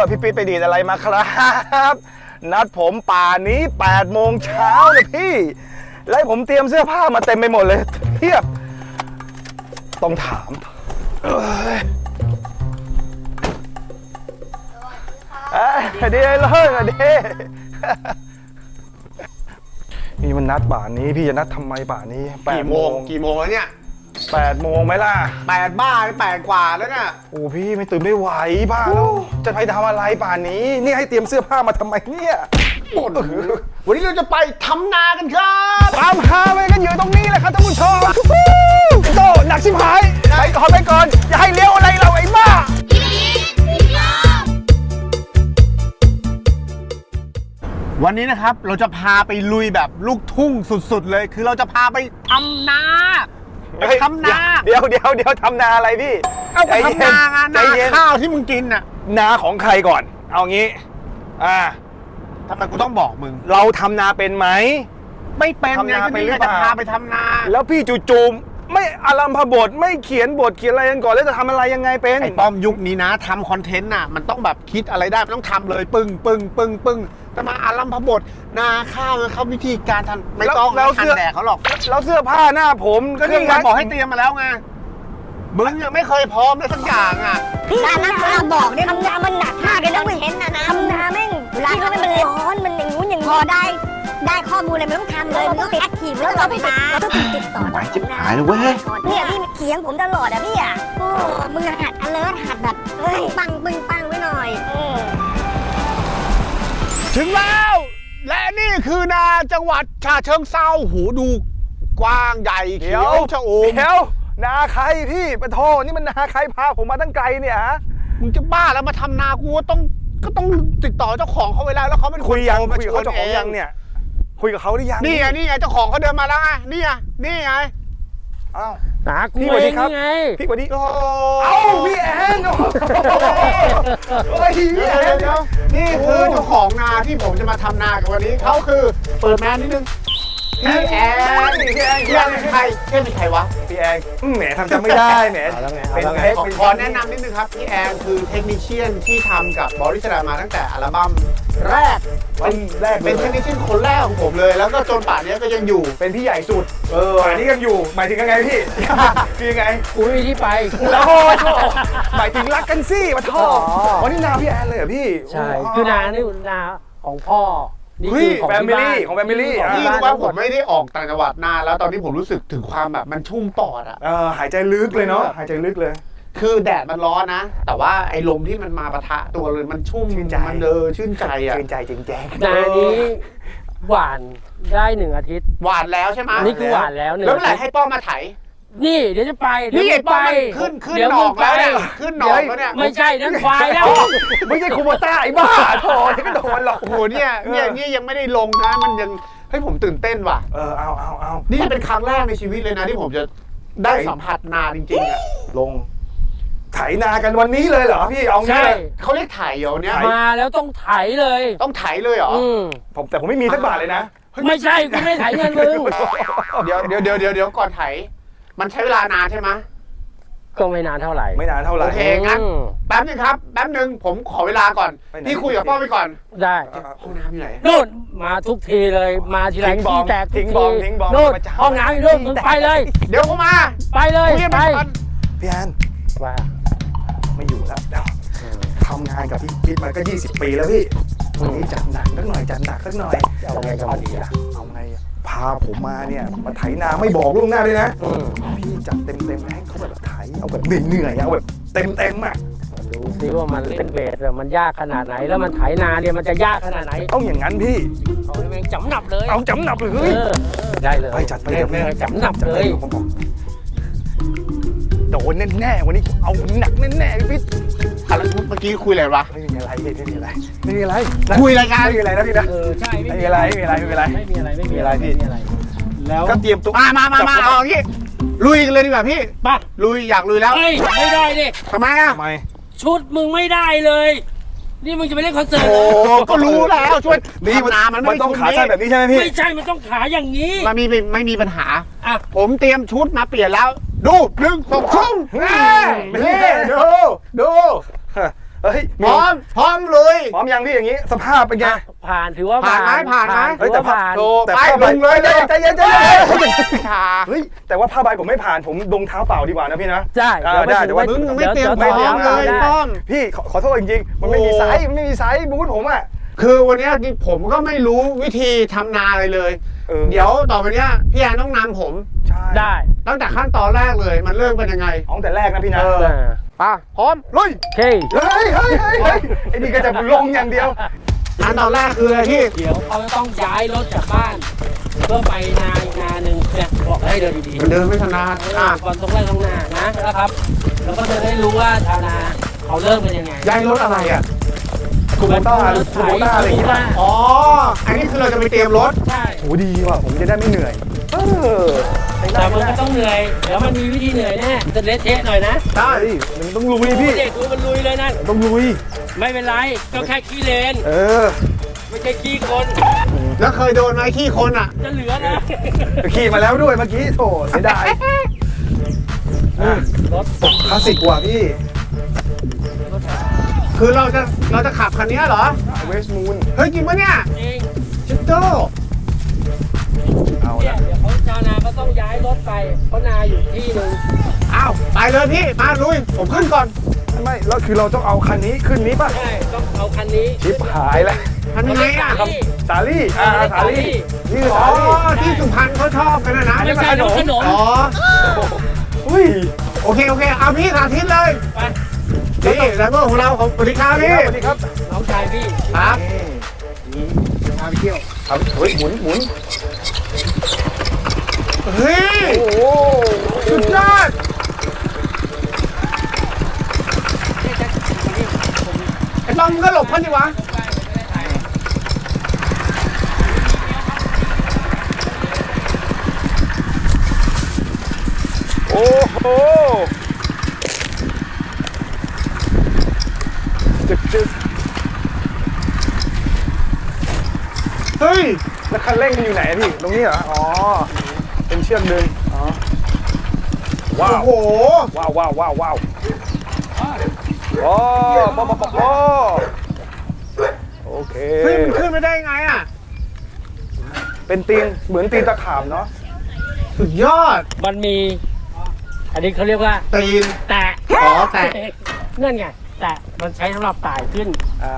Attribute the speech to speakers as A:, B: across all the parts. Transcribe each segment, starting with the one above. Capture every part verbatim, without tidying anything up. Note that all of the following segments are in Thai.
A: พี่ปิ๊ดไปดีดอะไรมาครับนัดผมป่านี้แปดโมงเช้าเลยพี่แล้วผมเตรียมเสื้อผ้ามาเต็มไปหมดเลยเทียบต้องถามเอ้ยสวัสดีเลยสวัสดีนี่มันนัดป่านนี้พี่จะนัดทำไมป่านนี้แปด
B: กี่โมงกี่โมงแล้วเนี่ย
A: แปดโมงไหมล่ะ
B: แปดบ้าแปดกว่าแล้วเนี่ย
A: โอ้พี่ไม่ตื่นไม่ไหวบ้าแล้วจะไปทำอะไรป่านนี้นี่ให้เตรียมเสื้อผ้ามาทำไมเนี่ย
B: วันนี้เราจะไปทำนากันครับ
A: ตามหาไปกันอยู่ตรงนี้แหละครับท่านผู้ชมโตหนักชิบหายไปก่อนไปก่อนอย่าให้เลี้ยวอะไรเราไอ้บ้า
B: วันนี้นะครับเราจะพาไปลุยแบบลูกทุ่งสุดๆเลยคือเราจะพาไปทำนาไปทำนา
A: เดี๋ยวเดี๋ยวเดี๋ยวทำนาอะไรพี่
B: เอาไปทำนางานนาข้าวที่มึงกินน่ะ
A: นาของใครก่อนเอางี้อ่า
B: ทำไมกูต้องบอกมึง
A: เราทำนาเป็นไหม
B: ไม่เป็นไงก็นี่จะพาไปทำนา
A: แล้วพี่จู่ๆไม่อารัมพบทไม่เขียนบทเขียนอะไรกันก่อนแล้วจะทำอะไรยังไงเป็น
B: ไอ้ป้อมยุคนี้นะทำคอนเทนต์น่ะมันต้องแบบคิดอะไรได้มันต้องทำเลยปึ้งปึ้งปึ้งปึ้งแต่มาอารัมพบทนาข้าวเขาวิธีการทำไม่ต้องแล้วทันแดกเขาหรอก
A: แล้วเสื้อผ้าหน้าผม
B: ก็นี่ไงบอกให้เตรียมมาแล้วไงมึงยังไม่เคยพร้อมเลยสักอย่างอ่ะ
C: พี่นานาบอกเนี่ยทำนามันหนักมากเลยนะเห็นนะนะทำนาแม่งเวลาเขาไม่มันร้อนมันอย่างงู้นอย่างนี้พอได้ได้ข้อมูลอะไรมันต้องทำเลยมันต้องติดแอคทีฟแล้วเราไปติดเราต้องติดติดต่อ
B: ไหวจิบหายเลยเว้ย
C: เนี่ยพี่เถียงผมตลอดอะพี่อะโอ้มึงหัด alert หัดแบบเฮ้ยปังปึ้งปังไว้หน่อย
B: ถึงแล้วและนี่คือนาจังหวัดฉะเชิงเทราหูดูกว้างใหญ่เขียวชอุ่ม
A: เดี๋ยวนาใครพี่ปะโทนี่มันนาใครพาผมมาตั้งไกลเนี่ยฮะ
B: มึงจะบ้าแล้วมาทำนากูต้องก็ต้องติดต่อเจ้าของเขาไว้แล้วแล้วเขาเป็น
A: คุยยังคุยกับเจ้าของยังเนี่ยคุยกับเขาหรือยัง
B: นี่ไงนี่ไงเจ้าของเขาเดินมาแล้วไงนี่ไงนี่ไง
A: อ้าว
D: นากูเองไง
A: พี่สวัสดีเอ้าพี่แอนโอ้ยพี่แอน
B: นี่คือเจ้าของนาที่ผมจะมาทำนากับวันนี้เขาคือเปิดแมนนิดนึงพี่แอนพี่แอนพี่แอนเป็นใครเพื่อนเป็นใครวะ
A: พี่แอนแหมทำจำไม่ได้แหม
B: เป็นไงขอแนะนำนิดนึงครับพี่แอนคือเทคนิคเชียนที่ทำกับบอริสดามาตั้งแต่อัลบั้มแรก
A: เป็นแรก
B: เป็นเทคนิคเชียนคนแรกของผมเลยแล้วก็จนป่านนี้ก็ยังอยู่
A: เป็นพี่ใหญ่สุดเออป่านนี้ยังอยู่หมายถึงยังไงพี่คือยังไง
D: กูไม่มีที่ไป
A: แล้วโอ้ยหมายถึงรักกันสิมาท่อวันนี้นาพี่แอนเลยเหรอพี่
D: ใช่คือนานี่นาของพ่อ
A: นี่คือของแฟมิลี่ของแฟมิลี่
B: พี่รู้ว่าผมไม่ได้ออกต่างจังหวัดนานแล้วตอนนี้ผมรู้สึกถึงความแบบมันชุ่มปอดอ่ะ
A: เออหายใจลึกเลยเนาะหายใจลึกเลย
B: คือแดดมันร้อนนะแต่ว่าไอ้ลมที่มันมาปะทะตัวเลยมันชุ่ม
A: ชื่นใจ
B: มันเออชื่นใจอ่ะ
A: ชื่นใจจริงๆ
D: นานี้หวานได้หนึ่งอาทิตย์
B: หวานแล้วใช่ไหม
D: นี่คือหวานแล้วหนึ่ง
B: แล้วเมื่อไหร่ให้ป้อมมาไถ
D: นี่เดี๋ยวจะไป
B: นี่ป้อมขึ้นขึ้นหนองแล้วเนี่ยขึ้นหนองแล้วเนี่ย
D: ไม่ใช่นั่นควายแล้ว
A: ไม่ใช่คูโบต้าไอ้บ้าโถ่ที่ก็โดนหรอก
B: โอ้โหเนี่ยเนี่ยเนี่ยยังไม่ได้ลงนะมันยังให้ผมตื่นเต้นว่ะ
A: เออเอาเอาเอา
B: นี่เป็นครั้งแรกในชีวิตเลยนะที่ผมจะได้สัมผัสนาจริงๆอ่ะ
A: ลงไถนากันวันนี้เลยเหรอพี่เอางี้เลย
B: เขาเรียกไถเหรอเนี่ย
D: มาแล้วต้องไถเลย
B: ต้องไถเลยเหรอ
A: ผมแต่ผมไม่มีสักบาทเลยนะ
D: ไม่ใช่กูไม่ไถเงินมึง
B: เดี๋ยวเดี๋ยวเดี๋ยวเดี๋ยวเดี๋ยวก่อนไถมันใช้เวลานานใช่ไหม
D: ก็ไม่นานเท่าไหร่
A: ไม่นานเท่าไหร่
B: โอเคงั้นแป๊บนึงครับแป๊บนึงผมขอเวลาก่อนพี่คุยกับป้อมไปก่อน
D: ได้
B: ห้องน้ำอยู่ไหน
D: นู่นมาทุกทีเลยมาทีไรขี้แตกทุกทีนู่นห้องน้ำอยู่นู่นมึงไปเลย
B: เดี๋ยวผมมา
D: ไปเลยไป
A: พี่แอน
D: ว่า
A: ไม่อยู่แล้วทำงานกับพี่พิษมาก็ยี่สิบปีแล้วพี่วันนี้จัดหนักสักหน่อยจัดหนักสักหน่อย
D: เอาไงกับมันดีล่ะ
A: เอาไงพาผมมาเนี่ยมาไถนาไม่บอกล่วงหน้าเลยนะพี่จัดเต็มเต็มให้เขาแบบไถเอาแบบเหนื่อยๆเอาแบบเต็มเต็มอ่ะ
D: ดูซิว่ามันเล่นเบสมันยากขนาดไหนแล้วมันไถนาเนี่ยมันจะยากขนาดไหน
A: ต้องอย่างนั้นพี่
D: เอาเองจำหนับเลย
A: เอาจำหนับเลย
D: ได้เลย
A: ไปจัดไปเดี๋ยว
D: จำหนับเลย
A: โดนแน่ๆวันนี้เอาหนักแน่ๆพี่
B: อะไรเมื่อกี้คุยอะไรวะ
A: ไม่มีอะไรไม่มีอะไรไม่มีอะไร
B: คุยรายการ
A: ไม่มีอะไรนะพี่นะ
D: เออใช่
A: ไม่มีอะไรไม่มีอะไรไม่มีอะไร
D: ไม่มีอะไรไม่มีอะไรพี่
A: แล้วก็เตรียมตัว
B: มามามามาเอาอย่างงี้ลุยกันเลยดีกว่าพี่
D: ป่ะ
B: ลุยอยากลุยแล้ว
D: เฮ้ยไม่ได้ดิ
B: ทำไมอ่ะ
A: ทำไม
D: ชุดมึงไม่ได้เลยนี่มึงจะไปเล่นคอนเสิร์ต
B: โอ้ก็รู้แล้วช่วยนี่
A: มันมันต้องขาสั้นแบบนี้ใช่ไหมพี่
D: ไม่ใช่มันต้องขาอย่างนี้
B: มันมีไม่มีปัญหาอ่ะผมเตรียมชุดมาเปลี่ยนแล้วดูหนึ่งสองสามดูดู
A: เอเฮ้ย
B: พร้อมพร้อมลุย
A: พร้อมยังพี่อย่างนี้สภาพเป็นไง
D: ผ่านถือว่า
B: ผ่านไหมผ่านไหม
D: ถือว่าผ่าน
B: โต
A: แต่
B: ไป
A: ผ้าใบ
B: ลุงเลย
A: ใจเย็นใจเย็นใจเย็น
B: ขา
A: เฮ้ยแต่ว่าผ้าใบผมไม่ผ่านผมดงเท้าเปล่าดีกว่านะพี่นะ
D: ใช่
A: อ่าได้เดี๋ยวว่า
B: มึงไม่เตรียมพ
D: ดี๋
B: ร้
D: ว
B: อม
D: ดี๋ว
B: เลย
D: ได้
B: ป้อม
A: พี่ขอขอโทษจริงๆมันไม่มี
B: โอ้
A: ไซส์มันไม่มีไซส์บูธผมอ่ะ
B: คือวันเนี้ยผมก็ไม่รู้วิธีทำนาอะไรเลย
A: เออ
B: เดี๋ยวต่อไปเนี้ยพี่แอนต้องนำผม
A: ใช่
D: ได้
B: ตั้งแต่ขั้นตอนแรกเลยมันเริ่มเป็นยังไง
A: เอาตั้งแต่แรกนะพี่นะ
B: เออ ป่ะพร้อมลุย
D: โอเค
A: เฮ้ยเฮ้ยเฮ้ยเฮ้ยไอ้นี่ก็จะลงอย่างเดียว
B: ขั้นตอนแรกคืออะไรพี่
D: เดี๋ยวเขาจะต้องย้ายรถจากบ้าน เพื่อไปนาอีกนาหนึ่งเนี่ยบอกให้เดินดี
B: มันเดินไม่ถนัด
D: ๆ
B: อ่ะ
D: ก่อนตรงแรกตรงหน้านะนะครับ แล้วก็จะได้รู้ว่าชาวนาเขาเริ่มเป็นยังไง
B: ย้ายรถอะไรอ่ะ
A: คูโบต้าหรือคูโบต้าอะไรอย่างเงี้ย
B: อ๋อ อันนี้คือเราจะไปเตรียมรถ
D: ใช่
A: โหดีว่ะผมจะได้ไม่เหนื่อยเออ
D: แต่มันก็ต้องเหนื่อย เดี๋ยวมันมีวิธีเหนื่อยแน่จะเละเทะหน่อยนะ
B: ใช่
A: เฮ้ยมันต้องลุยพี่
D: เด็กดูมันลุยเลยนั่น
A: ต้องลุย
D: ไม่เป็นไร ก็แค่ขี้เลน
A: เออ
D: ไม่ใช่ขี้คน
B: แล้วเคยโดนไหมขี้คนอ่ะ
D: จะเหลือนะ
A: ขี่มาแล้วด้วยเมื่อกี้โถเสียดายอ่ะ
D: รถ
A: คลาสสิกกว่าพี่
B: คือเราจะเราจะขับคันนี้เหรอ
A: เวสมูน
B: เฮ้ยจริงปะเนี่ย
D: จริง
B: ชิตโต้
A: เอา
D: เนี่ย
A: ละ
D: เดี๋ยวเขาชาวนาก็ต้องย้ายรถไป เพราะนาอยู่ที่หนึ่ง
B: อ้าวไปเลยพี่ มาลุย ผมขึ้นก่อน
A: ไม่แล้วคือเราต้องเอาคันนี้ขึ้นนี้ป่ะ
D: ใช่ ต้องเอาคันนี้
A: ชิปหายแล้ว
B: ทำยังไงอ่ะ
D: เขาเรียก
A: สาลี่อ่าสาลี่นี่คือ
B: อ๋อ
A: สาลี่
B: ที่สุพรรณเขาชอบกันนะนะ
D: ไม่ใช่รถขนม
B: อ๋อ
A: อุ้ย
B: โอเค โอเค เอาพี่สาธิตเลย
D: ไป
B: นี่แล้วก็ของเราของสวัสดีครับพี่
A: สวัสดีครับ
D: น้องชายพี่
B: ครับ
A: นี่พาไปเที่ยวครับเฮ้ยหมุนหมุน
B: เฮ้ย
A: โอ้โห
B: สุดยอดไอ้ต้อมมึงก็หลบพันดิวะ
A: โอ้โหจึกจึก
B: เฮ้ย
A: แล้วคันเร่งมันอยู่ไหนอะพี่ ตรงนี้เหรอ อ๋อ เป็นเชือกดึงอ๋อ ว้า
B: โอ้
A: ว
B: โห
A: ว้าวว้าวว้าวว้าวโอ้ปอปอปอปอโอเค
B: เฮ้ยมันขึ้นไม่ได้ไงอ่ะ
A: เป็นตีน เหมือนตีนตะขาบเนาะ
B: สุดยอด
D: มันมี อันนี้เขาเรียกว่า
B: ตีน
D: แตะ
B: อ๋อแตะ
D: นั่นไง แตะ มันใช้สำหรับไต่ขึ้น
A: อ่า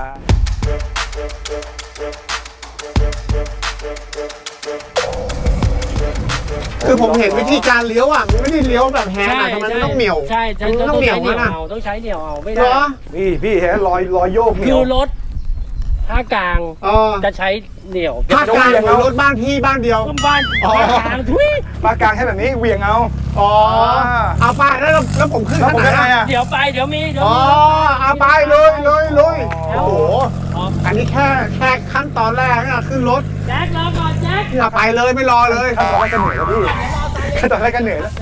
B: คือผมเห็นวิธีการเลี้ยวอ่ะ มันไม่ได้เลี้ยวแบบแฮนด์
D: ใช่
B: อ่ะทำไมมัน
D: ใช่
B: ต้องเหนียว
D: ใช่ใช่
B: มัน
D: ต้
B: ต้
D: อ
B: อง งเหนี
D: ใช้
B: ยว
D: เหนียว
B: นะ
D: เอาต้องใช้เหนียวเอาไม่
B: เหร
D: ได้
B: อ
A: พี่พี่เห็นรอยรอยโยกเหนี
D: คื
A: ยว
D: อรถภาคกลาง
B: เออ
D: จะใช้เหนียว
B: ภาคกลางของรถบ้านพี่บ้านเดียว
D: ต้มบ้าน
B: อ๋อ
D: ภาคกลางทุย
A: ปากกลางให้แบบนี้เหวี่ยงเอา
B: อ๋อ เอาไปแล้วเราแล้วผมขึ้น
A: แล้ว
B: ข้าง
A: ผม
B: ไหน
A: ยังไง
B: อ่ะ
A: อะ
D: เดี๋ยวไปเดี๋ยวมีเดี๋ยว
B: อ๋อ
D: มี
B: เอาไปเลยเลยเลยโอ้โห
D: อ๋อ
B: อันนี้แค่แค่ขั้นตอนแรกนะขึ้นรถ
D: แจ็ครอก่อนแจ็ค
B: เอาไปเลยไม่รอเลย
A: ขั้นตอนแรกก็เหนื่อยแล้วพี่ขั้นตอนแรกก็เหนื่อยแล้ว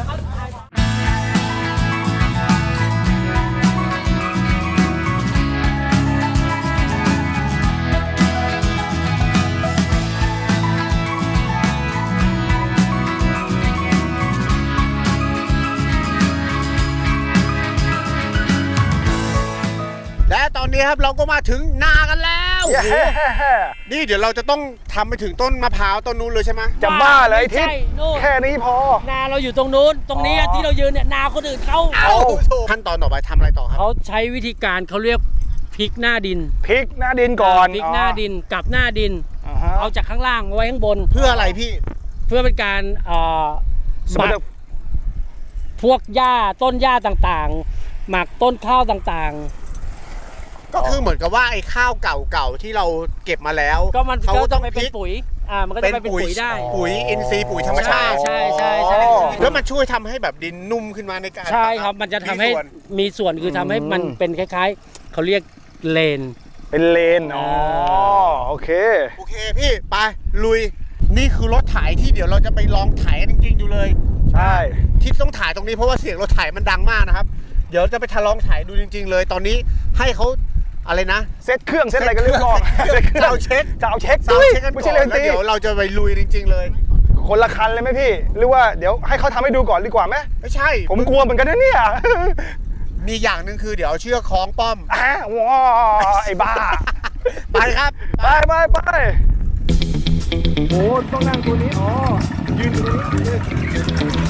B: และตอนนี้ครับเราก็มาถึงนากันแล้ว
A: เย้
B: นี่เดี๋ยวเราจะต้องทำไปถึงต้นมะพร้าวต้นนู้นเลยใช่ไหม
A: จะบ้าเลยไอ้ทิศ
D: ใช่นู่น
A: แค่นี้พอ
D: นาเราอยู่ตรงนู้น ตรงนี้
A: อ๋อ
D: ที่เรายืนเนี่ยนาคนอื่นเขา
B: เอาขั้นตอนต่อไปทำอะไรต่อครับ
D: เขาใช้วิธีการเขาเรียกพลิกหน้าดิน
A: พลิกหน้าดินก่อน
D: พลิกหน้าดินกลับหน้าดิน
A: อ๋อฮะ
D: เอาจากข้างล่างมาไว้ข้างบน
B: เพื่ออะไรพี่
D: เพื่อเป็นการเอ่อ
A: ส
D: ห
A: ม
D: มั
A: ม
D: ก
A: ติ
D: พวกหญ้าต้นหญ้าต่างๆ หมักต้นข้าวต่าง
B: ก็คือเหมือนกับว่าไอ้ข้าวเก่าๆที่เราเก็บมาแล้ว
D: ๆ ก็มัน
B: เขา
D: ก็
B: ต้
D: ต้
B: อ
D: อง งไป
B: พ
D: เป็น
B: ลิก
D: ปุ๋ยอ่ามันก็จะไปเป็นปุ๋ยได้
B: ปุ๋ยอินทรีย์ปุ๋ยธรรมชาติ
D: ใช่ใช่ใช่
B: แล้วมันช่วยทำให้แบบดินนุ่มขึ้นมาในการ
D: ใช่ครับมันจะทำให้
B: ส่วน
D: มีส่วนคือทำให้มันเป็นคล้ายๆเขาเรียกเลน
A: เป็นเลน อ๋อ โอเค
B: โอเคพี่ไปลุย นี่คือรถไถที่เดี๋ยวเราจะไปลองไถกันจริงๆอยู่เลย
A: ใช่
B: ที่ต้องถ่ายตรงนี้เพราะว่าเสียงรถไถมันดังมากนะครับ เดี๋ยวจะไปทดลองถ่ายดูจริง ๆ เลย ตอนนี้ให้เขาอะไรนะ
A: เซ็ตเครื่องเซ็ตอะไรกันเรียบร้อย
B: เซ็ตเครื่องจะเอาเช็ค
A: จะเอาเช็ค
B: ซาวด์เช็คกัน
A: ไม่
B: ก่
A: ใช่
B: อน
A: เล
B: แล้ว
A: นตี
B: เดี๋ยวเราจะไปลุยจริง ๆ เลย
A: คนละคันเลยไหมพี่ หรือว่าเดี๋ยวให้เขาทำให้ดูก่อนดีกว่าไหม
B: ไม่ใช่
A: ผมกลัวเหมือนกันนะเนี่ย
B: ฮมีอย่างหนึ่งคือเดี๋ยวเอาเชือกคล้องป้อม
A: อ่ะว้าไอ้บ้า
B: ไปครับ
A: ไปไปไปโอ้ต้องนั่งตัวนี้ อ๋อ ยืนตัวนี้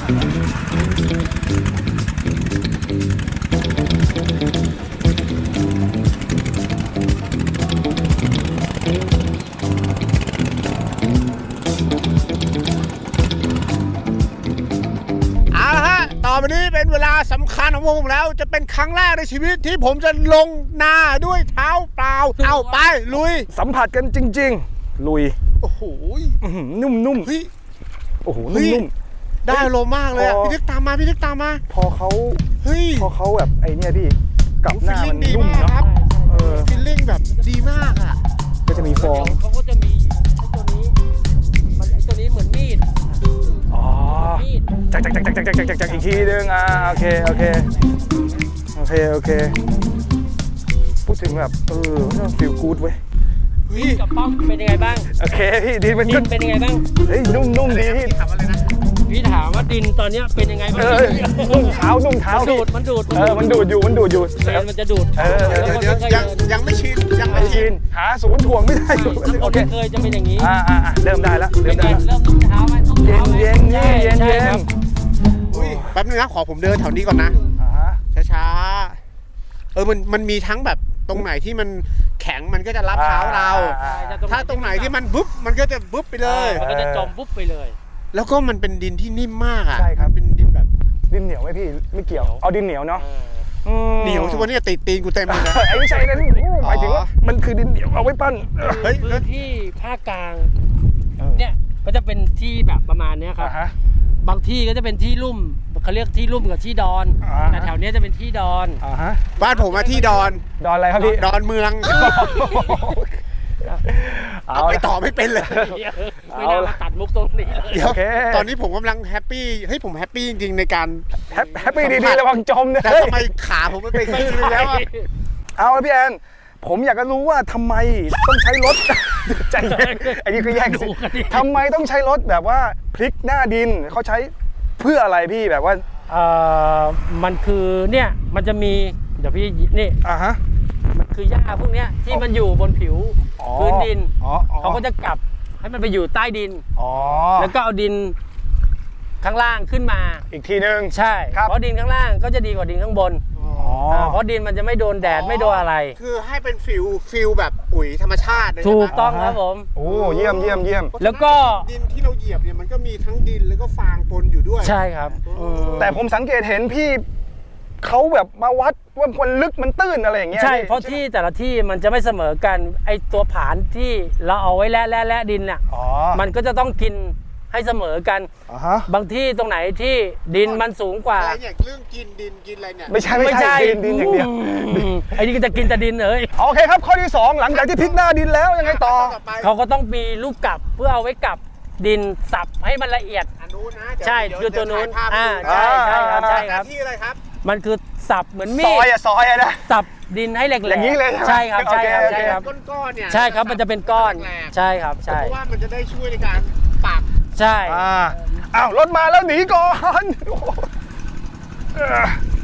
B: เอาละฮะต่อไปนี้เป็นเวลาสำคัญของผมแล้ว จะเป็นครั้งแรกในชีวิตที่ผมจะลงนาด้วยเท้าเปล่า เอาไปลุย
A: สัมผัสกันจริง ๆ ลุย
B: โอ้โห
A: อื้อหือนุ่ม
B: เฮ้ย
A: ๆ โอ้โห
B: เฮ้ย
A: นุ่ม
B: ได้อารมณ์มากเลยอะ
A: พอ
B: พี่นึกตามมาพี่นึกตามมา
A: ๆ พอเขา
B: เฮ้ย
A: พอเขาแบบไอ้เนี่ยพี่กลับหน้า
B: ฟีลลิ่
A: มั
B: ง
A: น
B: ดี
A: นุ่ม
B: มาก
A: เนาะ
B: ครับ
A: เออ
B: ฟีลลิ่งแบบดีมากอ่ะ
A: ก็จะมีฟอง
D: เดี๋ยวเขาก็จะมีไอ้ตัวนี้มันไอ้ตัวนี้เหมือนมีด
A: อ๋อ
D: มีด
A: จักจักจักจักจักจักจักจักอีกทีนึงอ่าโอเคโอเคโอเคโอเคพูดถึงแบบเออฟีลกู๊ดเว้ย
B: เฮ้ย
D: กับป้อมเป็นยังไงบ้าง
A: โอเคพี่ดีมัน
D: ดิ
A: ก็
D: นเป็นยังไงบ้าง
A: เฮ้ยนุ่มนุ่มดีพี่
B: ถามอะไรนะ
D: พี่ถามว่าดินตอนเนี้ยเป็นยังไงบ้าง
A: เออนุ่มเท้านุ่มเท้า
D: มัน
A: พี่
D: ดูดมันดูด
A: เออมันดูดอยู่มันดูดอยู่
D: เลนมันจะดูด
A: เออ
B: เดี๋ยวเดี๋ยวเดี๋ยวยังยังไม่ชินยังไม่
A: ไม่
B: ชิ
A: ชิ
B: น
A: นหาศูนย์ถ่วงไม่ได้
D: ใช่ถ้าคน
A: โอเค
D: ไม่เคยจะเป็นอย่างนี้
A: อ่าอ่าอ่าเริ่มได้แล้วเริ่
D: เป็
A: ม
D: นไง
A: ได้แล้ว
D: เริ่มนุ่มเท้าไหมนุ่ม
A: เย็
D: เท้าน ไหม
A: เย็นเย็นเย็น
D: ใช่
A: เย็น
D: ครับ
B: อุ้ยแป๊บนึงนะขอผมเดินแถวนี้ก่อนนะ
A: อ่าฮะ
B: ช้าๆ เออ มัน มันมีทั้งแบบตรงไหนที่มันแข็งมันก็จะรับเท้าเรา
A: อ่า
B: ถ้าตรงไหนที่มันบุ๊บมันก็จะบุ๊บไปเลย
D: มันก็จะจมปุ๊บไปเลย
B: แล้วก็มันเป็นดินที่นิ่มมากอ่ะ
A: ใช่ครับ
B: มันเป็นดินแบบ
A: ดินเหนียวไหมพี่ไม่เกี่ยวเอาดินเหนียวเนาะอืม
B: เหนียวทุกวันนี้ติดตีนกูเต็มเลยนะ
A: ไอ้ไม่ใช่นั้นหมายถึงว่ามันคือดินเหนียวเอาไว้ปั้น
B: เฮ้ย
D: พื้นที่ภาคกลาง
A: เออ
D: เนี่ยก็จะเป็นที่แบบประมาณเนี้ยครับ
A: อ่าฮะ
D: บางที่ก็จะเป็นที่ลุ่มเขาเรียกที่ลุ่มกับที่ดอน
A: อ่าฮะ
D: แต่แถวเนี้ยจะเป็นที่ดอน
A: อ่าฮะ
B: บ้านผมมาที่ดอน
A: ดอนอะไรครับพี่
B: ดอนเมือง
A: เอา
B: เอาไป
A: ละ
B: ต่อไม่เป็นเลย
D: ไม่น่ามาตัดมุกตรงนี้เลย
B: เดี๋ยว
A: โอเค
B: ตอนนี้ผมกำลังแฮปปี้ เฮ้ยผมแฮปปี้จริงๆในการ
A: แฮปแฮปปี้ดีๆระวังจมนะ
B: แต่ทำไมขาผมไม่ไปขึ้นเลยแล้วอะ
A: เอาละพี่แอนผมอยากจะรู้ว่าทำไมต้องใช้รถ ใจเย็นอันนี้คือแยกสิทำไมต้องใช้รถแบบว่าพลิกหน้าดินเขาใช้เพื่ออะไรพี่แบบว่า
D: เอ่อมันคือเนี่ยมันจะมีเดี๋ยวพี่นี่
A: อ่าฮะ
D: มันคือหญ้าพวกเนี้ยที่มันอยู่บนผิว
A: อ๋อ
D: พื้นดิน
A: อ๋ออ๋อ
D: เขาก็จะกลับให้มันไปอยู่ใต้ดิน
A: อ๋อ
D: แล้วก็เอาดินข้างล่างขึ้นมา
A: อีกทีนึง
D: ใช่
A: ครับ
D: เพราะดินข้างล่างก็จะดีกว่าดินข้างบน
A: อ๋อ
D: าเพราะดินมันจะไม่โดนแดดไม่โดนอะไร
B: คือให้เป็นฟิลฟิลแบบปุ๋ยธรรมชาติเลย
D: ถู
B: ใช่ไหม
D: กต้องครับผม
A: โอ้เยี่ยมเยี่ยมเยี่ยม
D: แล้วก็
B: ดินที่เราเหยียบเนี่ยมันก็มีทั้งดินแล้วก็ฟางปนอยู่ด้วย
D: ใช่ครับอืม
A: แต่ผมสังเกตเห็นพี่เขาแบบมาวัดว่ามันลึกมันตื้นอะไรอย่างเงี้ย
D: ใช่
A: พี่
D: เพราะที่แต่ละที่มันจะไม่เสมอกันไอตัวผานที่เราเอาไว้แล่แล่แล่ดินน่ะ
A: อ๋อ
D: มันก็จะต้องกินให้เสมอกัน
A: อ่าฮะ
D: บางที่ตรงไหนที่ดินมันสูงกว่า
B: อะไรเนี่ยเรื่องกินดินกินอะไรเนี่ย
A: ไม่ใช่ไม่ใช่ดินดินอย่างเดียว
D: อืมไอ้นี่ก็จะกินแต่ดินเลย
A: โอเคครับข้อที่สองหลังจากที่พลิกหน้าดินแล้วยังไงต่อ
B: ต่อไป
D: เขาก็ต้องมีลูกกลับเพื่อเอาไว้กลับดินสับให้มันละเอียด
B: อันนู้นนะเดี๋ยว
D: ใช่
B: เดี๋ย
D: คือตัวนู้น
B: เดี๋ยถ่ายภาพ
D: อ่า
B: ให้ดู
D: ใช่ใช่ครับใช่
B: ห
D: ค
B: น้า
D: รับ
B: ที่อะไรครับ
D: มันคือสับเหมือนมี
A: ซ
D: ด
A: อยอะซอยอะนะ
D: สับดินให้แหลกๆ
A: อย่างนี้เลยใช่
D: ใช่
A: ไหม
D: ครับใช่ครับ
A: โอเค
D: ใช่ครับ
B: ก้อนๆเนี่ย
D: ใช่ครับมันจะเป็นก้อน
B: แหลกๆ
D: ใช่ครับ
B: เพ
D: ใช่
B: ราะว่ามันจะได้ช่วยในการปัก
D: ใช่
A: อ่าอ้าวรถมาแล้วหนีก่อนโอ้โหเออ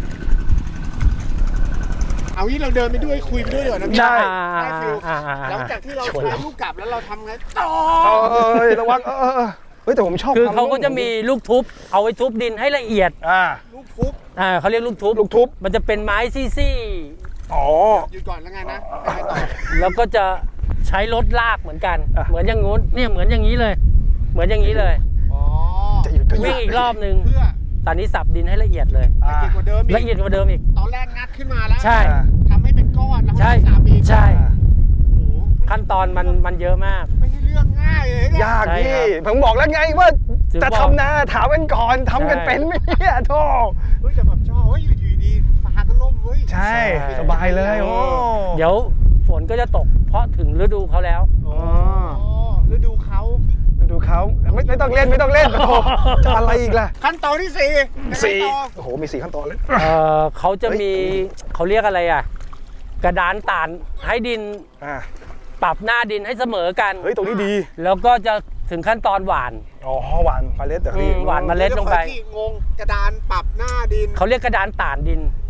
B: เอางี้เราเดินไปด้วยคุยไปด้วยเดี๋ยวนะพี่
A: ใช่
B: ได้ฟิล
D: อ่าอ่าอ่า
B: หลังจากที่เรา
A: ชวน
B: ใช้
A: เรา
B: ลูกกลับแล้วเราทำไงต่อ
A: เออเออระวังเออเออเออเฮ้ยแต่ผมชอบ
D: คือ
A: คว
D: เขาก็จะมีลูกทุบเอาไว้ทุบดินให้ละเอียด
A: อ่า
B: ลูกทุบ
D: อ่าเขาเรียกลูกทุบ
A: ลูกทุบ
D: มันจะเป็นไม้ซี่
A: อ๋อ
B: หยุดก่อนแล้วไงนะไปต่อ
D: ๆแล้วก็จะใช้รถลากเหมือนกัน
A: อ่ะ
D: เหมือนอย่างงู้นเนี่ยเหมือนอย่างนี้เลย เหมือนอย่างนี้เลย
B: อ๋อ
A: จะหยุดก็หยุ
D: วิ่
A: ด
D: งอีกรอบนึง
B: เพื่อ
D: ตอนนี้สับดินให้ละเอียดเลย
B: ละเอียดกว่าเดิมอีก
D: ละเอียดกว่าเดิมอีก
B: ตอนแรกงัดขึ้นมาแล้ว
D: ใช่
B: ทำให้เป็นก้อนแล้ว
D: ใช่
B: ให้สับอีก
D: ใช่
B: โอ้โห
D: ขั้นตอนมันมันเยอะมาก
B: ไม่ใช่เรื่องง่ายเลยเนี่ย
A: ยาก
D: ใช่
A: พี่
D: ครับ
A: ผมบอกแล้วไงว่า
D: ถึง
A: จะ
D: บอก
A: ทำนาถามกันก่อนทำกัน
D: ใช่
A: เป็นไหมเนี่ยโธ่
B: เฮ้ยแต่แบบชอบเฮ้ยอยู่ดีๆฟ้าก็ล่มเว้ย
A: ใช่สบายเลยโอ้
D: เดี๋ยวฝนก็จะตก เพราะถึงฤดูเขาแล้ว
B: อ๋อฤดูเขา
A: ดูเขาไม่ไม่ต้องเล่นไม่ต้องเล่นโอ้โหจะอะไรอีกล่ะ
B: ขั้นตอนที่สี่ยังไง
A: สี่
B: ต่อ
A: โอ้โหมีสี่ขั้นตอนเลย
D: เออเขาจะมีเขาเรียกอะไรอ่ะ กระดานตานให้ดิน
A: อ่า
D: ปรับหน้าดินให้เสมอกัน
A: เฮ้ยตรงนี้ดี
D: แล้วก็จะถึงขั้นตอนหวาน
A: อ๋อหวานเมล็ดเหรอพี่
D: อืมหวานเมล็ดลงไป
B: เดี๋ยวขออีกทีงงกระดานปรับหน้าดิน
D: เขาเรียกกระดานตานดิน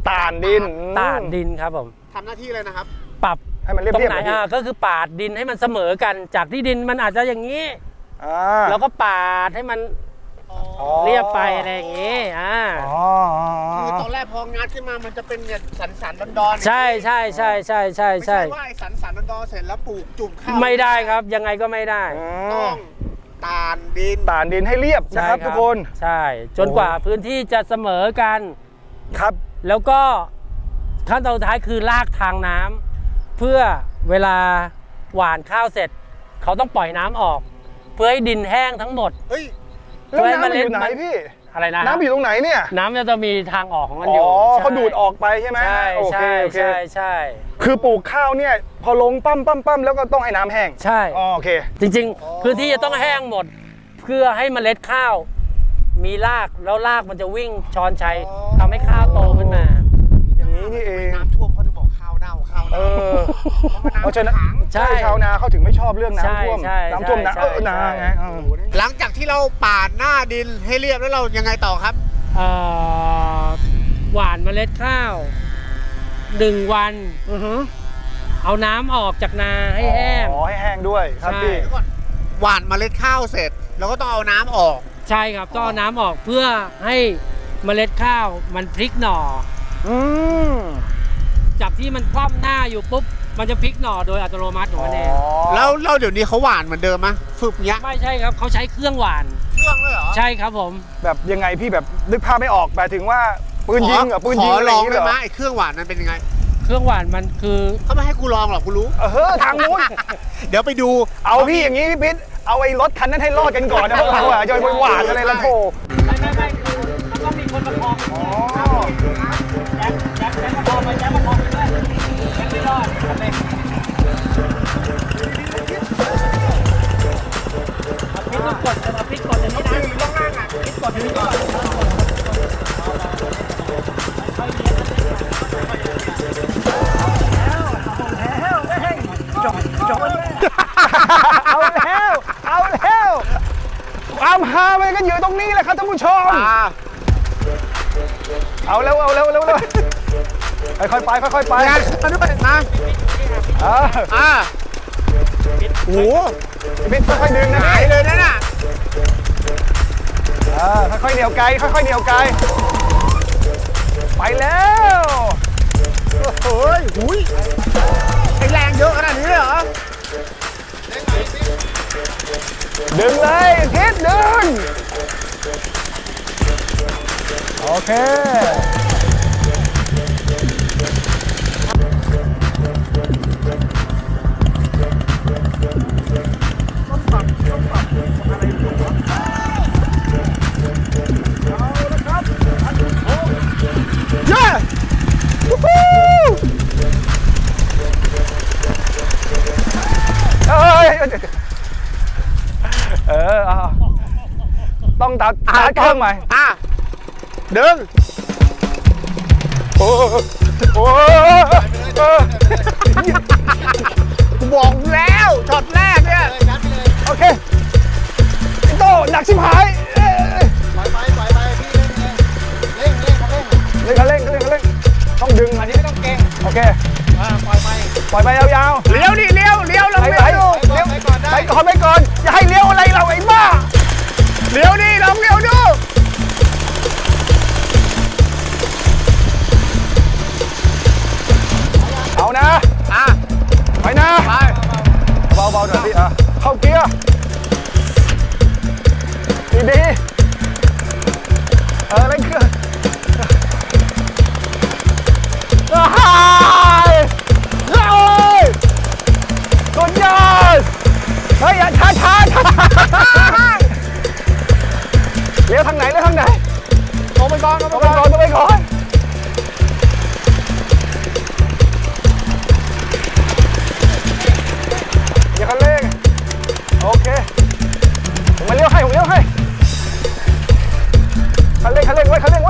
A: ต่านดิน
D: ต่านดินครับผม
B: ทำหน้าที่เลยนะครับ
D: ปรับ
A: ให้มันเรียบ
D: ตรง
A: เรียบ
D: ไหนอ่ะก็คือปาดดินให้มันเสมอกันจากที่ดินมันอาจจะอย่างนี้
A: อ่า
D: เราก็ปาดให้มัน
A: อ๋อ
D: เรียบไปอะไรอย่างนี้อ่า
A: อ๋อ
B: คือตอนแรกพองัดขึ้นมามันจะเป็นเนี่ยสันสันๆดอนๆ
D: ใช่ใช่ใช่ใช่ใช่
B: ไม่
D: ใช่
B: ใช่ว่าไอ้สันสันๆดอนๆเสร็จแล้วปลูกจุ่มข้าว
D: ไม่ได้ครับยังไงก็ไม่ได้
A: อื
B: ต้อ
A: ม
B: งตานดิน
A: ต่านดินให้เรียบนะครับทุกคน
D: ใช่ จนกว่าพื้นที่จะเสมอกัน
A: ครับ
D: แล้วก็ขั้นตอนสุดท้ายคือลากทางน้ำเพื่อเวลาหว่านข้าวเสร็จ เขาต้องปล่อยน้ำออก เพื่อให้ดินแห้งทั้งหมด
B: เฮ้ย
A: แล้วน้ำมันอยู่ไหนพี่
D: อะไรนะ
A: น้ำอยู่ตรงไหนเนี่ย
D: น้ำจะมีทางออกของมัน
A: อ๋
D: อยู่
A: อ
D: ใช่
A: เขาดูดออกไปใช่ไหม
D: ใช่
A: โอเค
D: ใช่
A: โอเค
D: ใช่ใช่
A: คือปลูกข้าวเนี่ยพอลงปั้มปั้มปั้มแล้วก็ต้องให้น้ำแห้ง
D: ใช่
A: อ๋อโอเค
D: จริงๆ พื้นที่จะต้องแห้งหมด เพื่อให้เมล็ดข้าว มีรากแล้วรากมันจะวิ่งช้อนชัยทำให้ข้าวโตขึ้นมา
A: อย่างนี้นี่เอง
B: น้ำท่วมเขาถึงบอกข้าวเน่าข้าว
A: เอ
B: เน่า
A: อ เพราะฉะนั้น
B: ขัง
A: ใช่ชาวนาเขาถึงไม่ชอบเรื่อง
D: ใช่
A: น้ำท่วม
D: ใช่
A: น้ำท่วมนะ
D: ใช่
A: เออนา
D: ใช่
A: ไงเออ
B: หลังจากที่เราปาดหน้าดินให้เรียบแล้วเรายังไงต่อครับ
D: เอ่อหว่านเมล็ดข้าวหนึ่งวัน
A: อือหือ
D: เอาน้ำออกจากนาให้แห้ง
A: อ๋อให้แห้งด้วยครับ
D: ใช่
A: พี่
B: เดี๋ยวก่อนหว่านเมล็ดข้าวเสร็จเราก็ต้องเอาน้ำออก
D: ใช่ครับต้องเอาน้ำออกเพื่อให้เมล็ดข้าวมันพลิกหน่อ
A: อืม
D: จากที่มันคว่ำหน้าอยู่ปุ๊บมันจะพลิกหน่อโดยอัตโนมัติของมันเอง
B: แล้วเราเดี๋ยวนี้เขาหว่านเหมือนเดิมไหมฝึกเนี้ย
D: ไม่ใช่ครับเขาใช้เครื่องหว่าน
B: เครื่องเลยเหรอ
D: ใช่ครับผม
A: แบบยังไงพี่แบบนึกภาพไม่ออกแบบถึงว่าปืนยิงเหรอปืนยิง
B: ขอ
A: อะไร
B: ล
A: อ
B: อง
A: ย่างนี้
B: ได้
A: เหร
B: ไหม
A: อ
B: ไอ้เครื่องหว่านนั้นเป็นยังไง
D: เครื่องหว่านมันคือ
B: เขาไม่ให้กูลองหรอกกูรู้
A: เออทางนู้น
B: เดี๋ยวไปดู
A: เอาพี่อย่างนี้พี่พิษเอาไอ้รถคันนั้นให้รอดกันก่อนนะพวกเราอ่ะจะไปหวานอะไรละโถ
D: ไม่ไม่ไม่คือมันต้องมีคนประคอง
A: อ๋อ
D: แจ็คแจ็คแจ็คประคองไปแจ็คประคองไปด้วยแจ็คไม่รอดทำไมเอาพริกต้องกดเอาพริกกดอย่างนี้นะพริกกดอย่างนี้ก่อน
A: เอาแล้วเอาแล้วความฮามันก็อยู่ตรงนี้แหละครับท่านผู้ชม
B: อ่า
A: เอาแล้วเอาแล้วเอาแล้วเอาแล้วค่อยๆไปค่อยๆไป
B: งานมาด้วยนะ
A: เออ
B: อ่าโอ้โห
A: พี่พิษค่อยๆดึงนะ
B: หาย
A: พี่
B: เลยนะน่ะ
A: เออค่อยๆเหนียวไกลค่อยๆเหนียวไกลไปแล้ว
B: โอ้ยหุยไอ้แรงเยอะขนาดนี้เลยเหรอ
A: ดึงเลยพิษดึงโอเคเย้วู้ฮู้เอ้ยเออเอาต้องตัดตัดเครื่องใหม่
B: อ่ะดึง
A: โอ้โอ้เออ
B: กูบอกแล้วช็อตแรกเนี่ย
A: โอเคไอ้โตหนักชิบหายเอ้ย
B: ปล่อยไปปล่อยไปพี่เร่งเร่งเร่งเร่ง
A: เร่งคันเร่งเร่งคันเร่งต้องดึงอันนี้ไม่ต้องเก่งโอเค
B: ปล่อยไป
A: ปล่อยไปยาวๆ
B: เลี้ยวดิเลี้ยวเลี้ยวลง
A: ไป
B: เลี้
A: ไป
B: ยวดู
A: เลี้ยวไปก่อนไปก่อนอย่าให้เลี้ยวอะไรเราไอ้บ้า
B: เลี้ยวดิลองเลี้ยวดู
A: เอานะ
B: อ่ะ
A: ไปนะ
B: ไป
A: เบาๆหน่อยพี่อ่ะเข้าเกียร์ดีๆเออเร่งเครื่องฮ่าเฮ้ยสุดยอดเฮ้ยอย่าช้าช้าช้าเลี้ยวทางไหนเลี้ยวทางไหน
B: ลงไปก่อนลง
A: ตรง
B: ไป
A: ไป
B: ก่
A: ก่
B: อ
A: อน นตรงไปก่อนอย่าคันเร่งโอเคผมมาเลี้ยวให้ผมเลี้ยวให้คันเร่งคันเร่งไว้คันเร่ง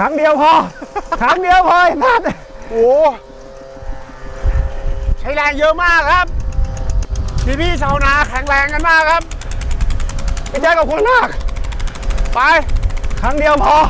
A: รั้งเดียวพอ ครั้งเดียวพอไอ้นัด
B: โอ้ใช้แรงเยอะมากครับพี่พี่ๆชาวนาแข็งแรงกันมากครับ
A: พี่แจ๊คขอบคุณมาก
B: ไป
A: ครั้งเดียวพอ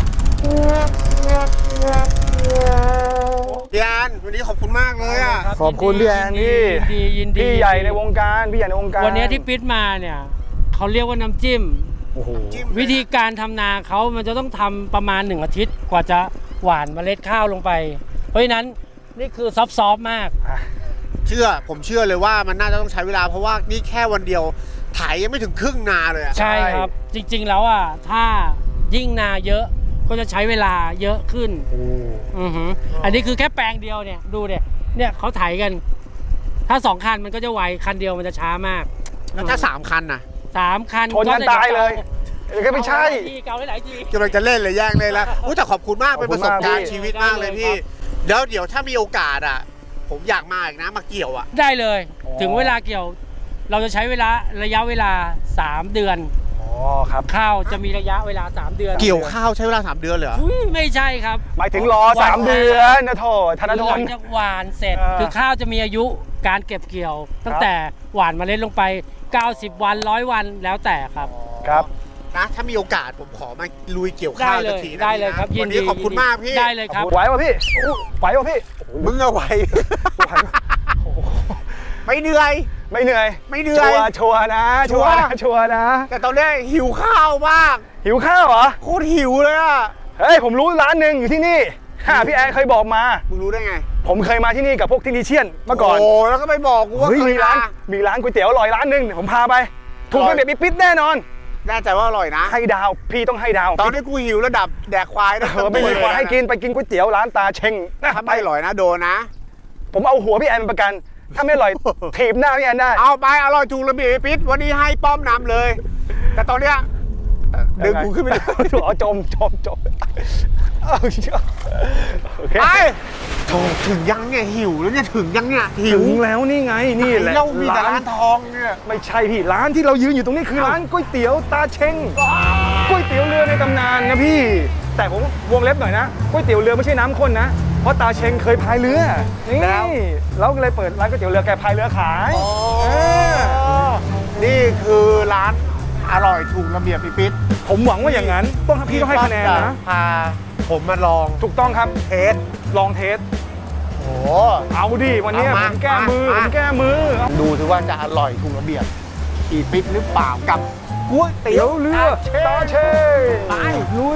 B: พี่แอนวันนี้ขอบคุณมากเลยอ่ะ
D: ครับ
A: ขอบคุณพี่แอนที่
D: ยินดียินดี
A: พี่ใหญ่ในวงการพี่ใหญ่ในวงการ
D: วันนี้ที่ปิดมาเนี่ยเขาเรียกว่าน้ำจิ้ม
A: โอ้โห
B: จิ้ม
D: วิธีการทำนาเขามันจะต้องทำประมาณหนึ่งอาทิตย์กว่าจะหว่านเมล็ดข้าวลงไป เพราะฉะนั้นนี่คือซอฟต์ๆมาก
B: เชื่อผมเชื่อเลยว่ามันน่าจะต้องใช้เวลาเพราะว่านี่แค่วันเดียวไถยังไม่ถึงครึ่งนาเลยอะ
D: ใช่ครับ จริงๆแล้วอ่ะถ้ายิ่งนาเยอะก็จะใช้เวลาเยอะขึ้นอือหืออันนี้คือแค่แปลงเดียวเนี่ยดูเนี่ยเนี่ยเขาไถกัน ถ้าสองคันมันก็จะไวคันเดียวมันจะช้ามาก
B: แล้วถ้าสามคันน่ะ
D: สามคัน
A: ชนกันตายเลยเดี๋ยวก็ไม่ใช่
D: เกาหลายๆที
B: กำลังจะเล่นเลยแย่งเลยแล้วอุ๊ยแต่ขอบคุณมาก
A: ขอบ
B: เป็น
A: คุ
B: ป
A: ณ
B: ระสบการ
A: มาก
B: ณ์
A: พี่
B: ชีวิตมากเลยพี่เดี๋ยวเดี๋ยวถ้ามีโอกาสอ่ะ ผมอยากมาอีกนะมาเกี่ยวอ่ะ
D: ได้เลย
A: อ๋อ
D: ถึงเวลาเกี่ยว เราจะใช้เวลาระยะเวลาสามเดือน
A: อ๋อครับ
D: ข้าวจะมีระยะเวลาสามเดือน
B: เกี่ยวข้าวใช้เวลาสามเดือนเลยเหรอ
D: อุ๊ยไม่ใช่ครับ
A: หมายถึงรอสามเดือนนะโถธนท
D: หลั
A: น
D: งจากหวานเสร็จ
A: เออ
D: คือข้าวจะมีอายุการเก็บเกี่ยว ตั้งแต่หวานเมล็ดลงไป เก้าสิบ วันร้อยวันแล้วแต่ครับ
A: ครับ
B: นะถ้ามีโอกาสผมขอมาลุยเกี่ยวข้าว
D: ได้เลย
B: สักทีนะ
D: ได้เลย
B: พี่นะครับ
D: ยิ
B: วัน น
D: ดี
B: นี้ขอบคุณมากพี่
D: ได้เลยครับ
A: ไหวป่ะพี่ไหวป่ะพี่
B: มึงเอาไว้
A: ไหวป่ะโอ้โห
B: ไม่เหนื่อย
A: ไม่เหนื่อย
B: ไม่เหนื่อย
A: ชัวร์ชัวร์นะ
B: ชั
A: ชัว
B: วร์
A: ร์นะชัวร์นะ
B: แต่ตอนนี้หิวข้าวมาก
A: หิวข้าวเหรอ
B: โคตรหิวเลยอ่ะ
A: เฮ้ยผมรู้ร้านหนึ่งอยู่ที่นี่ฮ่าพี่แอนเคยบอกมา
B: มึงรู้ได้ไง
A: ผมเคยมาที่นี่กับพวกทินิเชียนเมื่อก่อน
B: โอ้แล้วก็ไปบอกกูว่า
A: เฮ้ย
B: เค
A: มี
B: ย
A: ร้าน
B: มา
A: มีร้านก๋วยเตี๋ยวอร่อยร้านหนึ่งเดี๋ยวผมพาไป ถูก
B: อร่
A: เป็
B: อน ย
A: แบบปิ๊ดแน่นอน
B: แน่ใจว่าอร่อยนะ
A: ให้ดาวพี่ต้องให้ดาว
B: ตอนนี้กูหิวระดับแดกควายนะ
A: เออไม่มีคนให้กินไปกินก๋วยเตี๋ยวร้านตาเชงนะ
B: ถ้า
A: ไป
B: ไม่อร่อยนะโดนนะ
A: ผมเอาหัวพี่แอนเป็นประกัน ถ้าไม่อร่อย ถีบหน้าพี่แอนได้
B: เอาไปอร่อยถูกระเบียบปิดวันนี้ให้ป้อมนำเลย แต่ตอนเนี้ยดึงกูขึ้นไปเลย
A: อ๋อจมจมจมเอาเชื่อโอเค
B: ไปโถถึงยังเนี่ยหิวแล้วเนี่ยถึงยังเนี่ยหิ
A: ถึ
B: ว
A: งแล้วนี่ไงนี่แหละ
B: เรามีแต่ร้านทองเนี่ย
A: ไม่ใช่พี่ร้านที่เรายืนอยู่ตรงนี้คือร้านก๋วยเตี๋ยวตาเชงก๋วยเตี๋ยวเรือในตำนานนะพี่ แต่ผมวงเล็บหน่อยนะก๋วยเตี๋ยวเรือไม่ใช่น้ำข้นนะเพราะตาเชงเคยพายเรือนี่เราก็เลยเปิดร้านก๋วยเตี๋ยวเรือแกพายเรือขายเออ
B: นี่คือร้านอร่อยถูกระเบียบปิด
A: ผมหวังว่าอย่างนั้นต้องพี่ต้องให้คะแนนนะ
B: พาผมมาลอง
A: ถูกต้องครับ
B: เทส
A: ลองเทส
B: โอ้
A: เอาดิวันนี้
B: เอา
A: ผ
B: มาม
A: แก้มือ
B: มา
A: ผมแก้มือ
B: ดูสิว่าจะอร่อยถูกระเบียบอีปิดหรือเปล่ากับก๋วยเตี๋
A: เตี๋
B: ย
A: ยว วเรือตาเชง
B: ไป
A: ลุย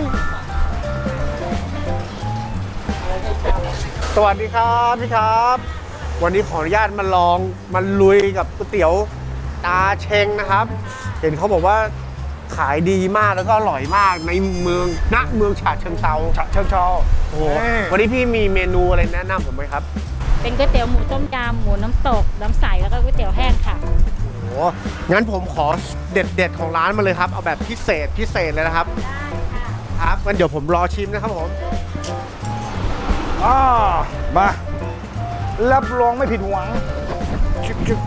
B: สวัสดีครับพี่ครับ วันนี้ขออนุญาตมาลองมาลุยกับก๋วยเตี๋ยวตาเชงนะครับ เห็นเขาบอกว่าขายดีมากแล้วก็อร่อยมากในเมืองณเมืองฉะเชิงเทรา
A: ฉะเชิงเทรา
B: โอ้โหวันนี้พี่มีเมนูอะไรแนะนำผมไหมครับ
E: เป็นก๋วยเตี๋ยวหมูต้มยำหมูน้ำตก น้ำใส แล้วก็ก๋วยเตี๋ยวแห้งค่ะ
B: โอ้โหงั้นผมขอเด็ดๆของร้านมาเลยครับ เอาแบบพิเศษพิเศษเลยนะครับ ครับงั้นเดี๋ยวผมรอชิมนะครับผม
A: อ่ามารับรองไม่ผิดหวังชึกชึก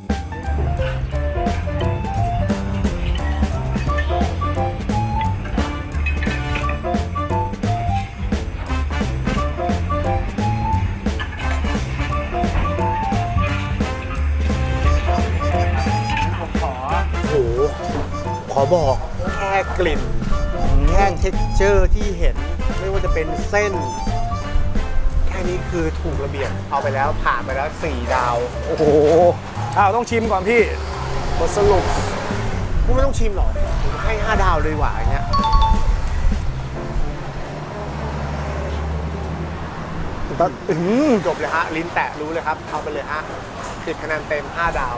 B: ผมขอโอ้โหขอบอกแค่กลิ่น แค่เท็กเจอร์ที่เห็นไม่ว่าจะเป็นเส้น แค่นี้คือถูกระเบียบเอาไปแล้วผ่านไปแล้วสี่ดาว
A: โอ้โหอ้าวต้องชิมก่อนพี่บทสรุป
B: กูไม่ต้องชิมหรอกผมให้ห้าดาวเลยดีกว่าอย่างเงี้ย
A: ตัดอื้อหือ
B: จบเลยฮะ ลิ้นแตะรู้เลยครับ เอาไปเลยฮะสิบคะแนนเต็มห้าดาว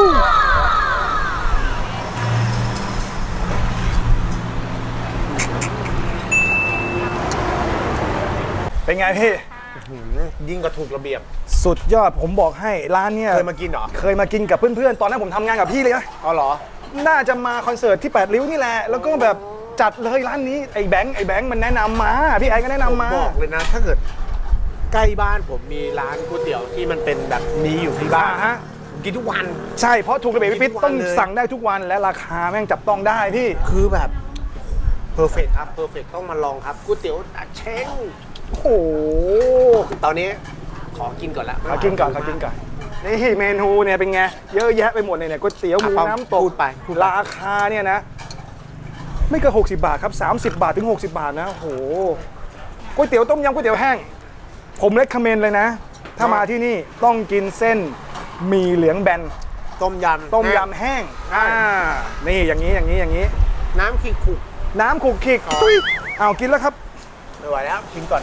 A: เป็นไงพี่
B: ยิ่งกว่าถูกระเบียบ
A: สุดยอดผมบอกให้ร้านเนี่ย
B: เคยมากินเหรอ
A: เคยมากินกับเพื่อนๆ ตอนนั้นผมทำงานกับพี่เลยนะ
B: อ๋อเหรอ
A: น่าจะมาคอนเสิร์ตที่แปดริ้วนี่แหละ แล้วก็แบบจัดเลยร้านนี้ไอ้แบงค์ไอ้แบงค์มันแนะนำมาพี่ไอ้ก็แนะนำมา
B: บอกเลยนะ ถ้าเกิดใกล้บ้านผมมีร้านก๋วยเตี๋ยวที่มันเป็นแบบนี้อยู่ที่บ้าน
A: อ่าฮะ
B: ผมกินทุกวัน
A: ใช่เพราะถูกระเบียบพี่ปิ๊ด
B: ทุกวัน
A: ต้อง
B: เลย
A: สั่งได้ทุกวันและราคาแม่งจับต้องได้พี่
B: คือแบบเพอร์เฟกครับเพอร์เฟกต้องมาลองครับก๋วยเตี๋ยวตาเช้ง
A: โอ้โห
B: ตอนนี้ขอกินก่อนละ
A: ขอกินก่อนขอกินก่อนนี่เมนูเนี่ยเป็นไงเยอะแยะไปหมดเลยเนี่ยก๋วยเตี๋ยวหมูน้ำตก
B: พูดไปพูดไป
A: ราคาเนี่ยนะ ไม่เกินหกสิบบาทครับสามสิบบาทถึงหกสิบบาทนะโอ้โหก๋วยเตี๋ยวต้มยำก๋วยเตี๋ยวแห้งผมเลคคอมเมนต์เลยนะ ถ้ามาที่นี่ต้องกินเส้นหมี่เหลืองแบน
B: ต้มยำ
A: ต้มยำแห้งอ่านี่อย่างนี้อย่างนี้อย่างนี้
B: น้ำขิงขุก
A: น้ำขลุกขลิกตุ้ยเอากินแล้วครับ
B: ไม่ไหวแล้วกินก่อน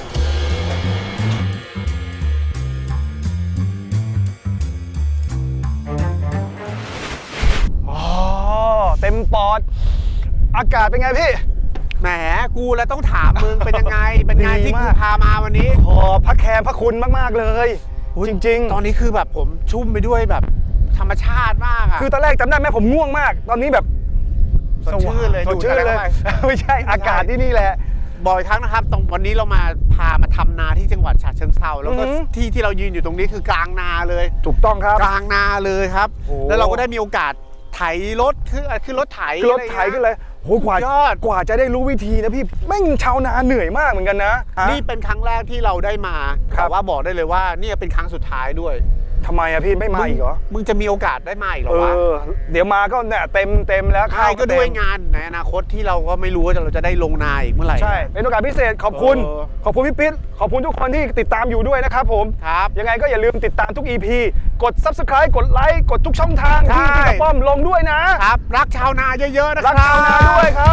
A: อ๋อเต็มปอด อากาศเป็นไงพี่
B: แหมกูแล้วต้องถามมึงเป็นยังไง เป็นไง
A: ดี
B: ที่กู
A: มาก
B: พามาวันนี้
A: ขอบพระแคร์พระคุณมาก ๆ เลย จริง
B: ตอนนี้คือแบบผมชุ่มไปด้วยแบบธรรมชาติมากอะ
A: ๆ คือตอนแรกจำได้ไหมผมง่วงมาก ตอนนี้แบบ
B: สดชื่นเลย
A: สดชื่น
B: ดูดอะไร
A: เลย
B: เข้าไป
A: ไม่ใช่อากาศที่นี่แหละ
B: บ่อยครั้งนะครับตรงวันนี้เรามาพามาทำนาที่จังหวัดฉะเชิงเทราแล้วก็
A: อือหือ
B: ที่ที่เรายืนอยู่ตรงนี้คือกลางนาเลย
A: ถูกต้องครับ
B: กลางนาเลยครับ
A: โอ้
B: แล้วเราก็ได้มีโอกาสไถรถขึ้นขึ้นรถไถ
A: คือรถไถขึ้นเลยโหกว่า
B: สุดยอด
A: กว่าจะได้รู้วิธีนะพี่แม่งชาวนาเหนื่อยมากเหมือนกันนะฮะ
B: นี่เป็นครั้งแรกที่เราได้มา
A: ครับ
B: แต่ว่าบอกได้เลยว่านี่เป็นครั้งสุดท้ายด้วย
A: ทำไมอะพี่ไม่มาอีกเหรอ
B: มึงจะมีโอกาสได้มาอีกเหรอ
A: เอ
B: วะ
A: อ เดี๋ยวมาก็เนี่ยเต็มเต็มแล้ว
B: ใช่
A: ข้าว
B: ก็
A: เต็ม
B: ด้วยงานในอนาคตที่เราก็ไม่รู้ว่าเราจะได้ลงนาอีกเมื่อไหร่
A: ใช่ เป็นโอกาสพิเศษขอบคุณ
B: เออ
A: ขอบคุณพี่ปิ๊ดขอบคุณทุกคนที่ติดตามอยู่ด้วยนะครับผม
B: ครับ
A: ยังไงก็อย่าลืมติดตามทุก อี พี กด ซับสไครบ์ กดไลค์ กดทุกช่องทางที่
B: ใช่
A: พี่กระป้อมลงด้วยนะ
B: ครับ รักชาวนาเยอะๆนะค
A: รั
B: รั
A: ก
B: บ
A: ชาวนาด้วยครับ